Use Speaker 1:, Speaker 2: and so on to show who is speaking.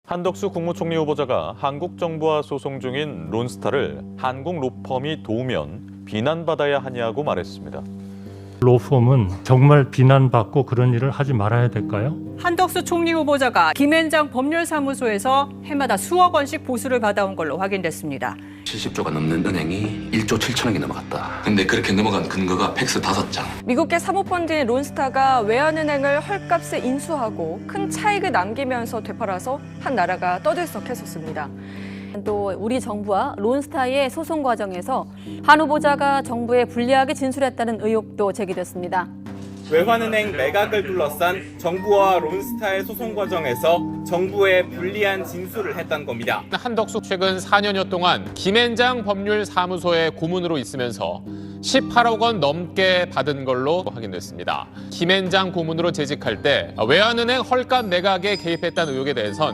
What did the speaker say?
Speaker 1: 한덕수 국무총리 후보자가 한국 정부와 소송 중인 론스타를 한국 로펌이 도우면 비난받아야 하냐고 말했습니다.
Speaker 2: 로펌은 정말 비난받고 그런 일을 하지 말아야 될까요?
Speaker 3: 한덕수 총리 후보자가 김앤장 법률사무소에서 해마다 수억 원씩 보수를 받아온 걸로 확인됐습니다.
Speaker 4: 70조가 넘는 은행이 1조 7천억이 넘어갔다. 근데 그렇게 넘어간 근거가 팩스 5장.
Speaker 5: 미국계 사모펀드인 론스타가 외환은행을 헐값에 인수하고 큰 차익을 남기면서 되팔아서 한 나라가 떠들썩했었습니다.
Speaker 6: 또 우리 정부와 론스타의 소송 과정에서 한 후보자가 정부에 불리하게 진술했다는 의혹도 제기됐습니다.
Speaker 7: 외환은행 매각을 둘러싼 정부와 론스타의 소송 과정에서 정부에 불리한 진술을 했다는 겁니다.
Speaker 8: 한덕수 최근 4년여 동안 김앤장 법률사무소의 고문으로 있으면서 18억 원 넘게 받은 걸로 확인됐습니다. 김앤장 고문으로 재직할 때 외환은행 헐값 매각에 개입했다는 의혹에 대해선